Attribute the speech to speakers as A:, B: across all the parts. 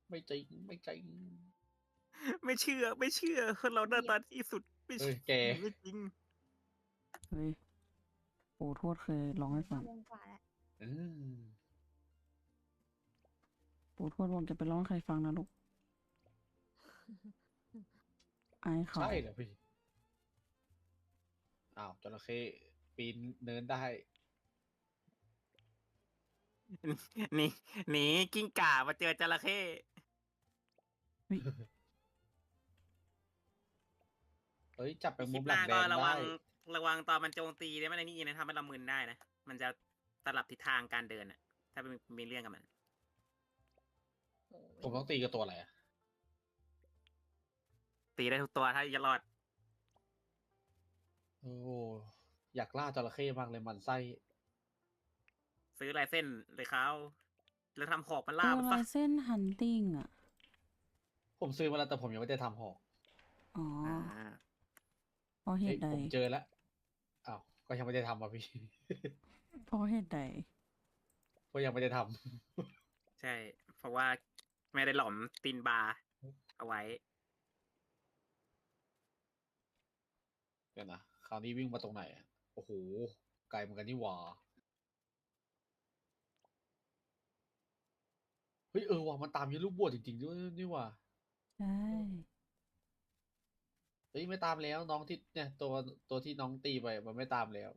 A: ไม่จริงไม่จริง
B: ไม่เชื่อคนเราหน้าตาที่สุดไม่
A: เฮ้ยแก
B: ไม่จริง
C: เฮ้ยปู่ทวดเคยร้องให้ฟัง
D: 5 โมงกว่าแล้ว
A: อืม
C: ปู่ทวดบอกจะไปร้องใครฟังนะลูกอายเขา
A: ใช่เหรอพี่อ้าวจระเข้ปีนเนินได้
B: หนีกิ้งก่ามาเจอจระเข้
A: เฮ้ยจับไป
B: ค
A: มุ
B: ลิ
A: ม
B: ป
A: ห
B: ห
A: ลัง
B: น้า
A: แด
B: ก็
A: ง
B: ระ
A: ได้
B: วังตอนมันโจมตีเนี่ยมันไอ้นี่นะทำให้เรามึนได้นะมันจะสลับทิศทางการเดินอ่ะถ้ามีเรื่องกับมัน
D: โอ้ย
A: ผมต้องตีกับตัวอะไรอะ
B: ตีได้ทุกตัวถ้าจะรอด
A: โอ้อยากล่าจระเข้มากเลยมันไส้
B: ซื้อลายเส้นเลยเขาแล้วทำหอกมัน
C: เอ
B: ล่า
C: อ
B: มัน
C: ลา
B: ซะ
C: ยเส้นฮันติงอ่ะ
A: ผมซื้อมาแล้วแต่ผมยังไม่ได้ทำหอก
C: อ๋อ
B: อ่า
C: เพราะเห
A: เฮ้ย
C: ตุใด
A: ผมเจอแล้วอ้าวก็ยังไม่ได้ทำอ่ะพี่
C: เพราะเหตุใด
A: ก็ยังไม่ได้ท
B: ใช่ เพราะว่าไม่ได้หลอมตีนบาร์เอาไว้
A: ำเดี๋ยวนะคราวนี้วิ่งมาตรงไหนอะโอ้โหไกลเหมือนกันนี่หว่าเฮ้ยว่ะมันตามยีลูกบวชจริงๆด้วยนี่หว่า
C: ใช่
A: เฮ้ยไม่ตามแล้วน้องที่เนี่ยตัวที่น้องตีไปมันไม่ตามแล้ว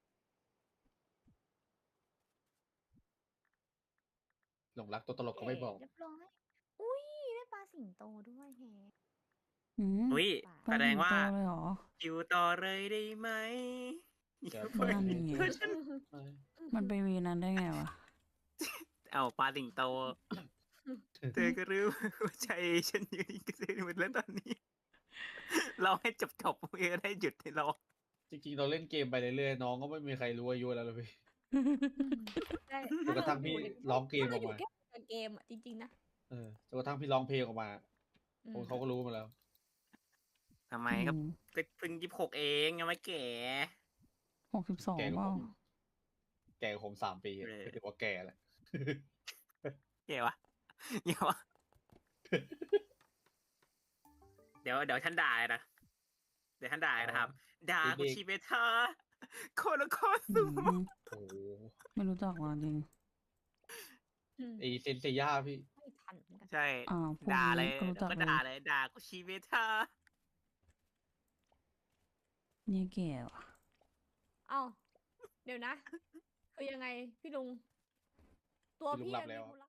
A: หลงรักตัวตลกก็ไม่บอก
D: เรียบร้อยอุ้ยได้ปลาสิงโตด้วยแฮะ
C: อืม
B: อุ้ย
C: ปล
B: แสดงว่า
C: สิโตเลยเหรอ
B: อยู่ต่อเลยได้ไหม
A: เดี๋ยว
C: นั่นไง มันไปวีนั้นได้ไงวะ
B: เอาปลาสิงโต เธอก็รู้ว่าใจฉันอยู่ที่เกษตรหมดแล้วตอนนี้ เราให้จบเองได้หยุดให้เรา
A: จริงๆเราเล่นเกมไปเรื่อยๆน้องก็ไม่มีใครรู้อายุแล้วเลยพี่
D: ได้
A: จนกระทั่งพี่ร้องเกมออกมา
D: ถ้เรายู่แค่เกมอ่ะจริงๆนะ
A: จนกระทั่งพี่ร้องเพลงออกมา
D: อืม
A: เขาก็รู้มาแล้ว
B: ทำไมก็เพิ่ง26เองยังไม่แก่
C: 62
A: แก
C: เป
A: ก็
C: ล่า
A: แก่กว่าผม3 ปี
B: เออ
A: ก็ถือว่าแก่แล้ว
B: แก่วะเดี๋ยววะเดี๋ยวฉันด่าเลยนะเดี๋ยวฉันด่าเลยนะครับด่าคุชิเบทาโคโลโค
C: อื
B: สุ
C: ม
A: โอ้โห
C: ไม่รู้จักว่ะจริง
A: ไอเซนเซย่าพี่
D: ไม่ทันเหมือนกัน
B: ใช่
C: อ้าวพวก
B: ด่าเลย
C: นี้ก็รู้จัก
B: ก็
C: เลย
B: ด่าเลยด่าคุชิเบทา
C: เนี่ยแก่ว่ะ
D: เอ้าเดี๋ยวนะ คือยังไงพี่ลุง ตัว
A: พี่ลุง
D: พี่
A: หลับ
D: ยัง
A: แล้
D: มี
A: ว
D: มูล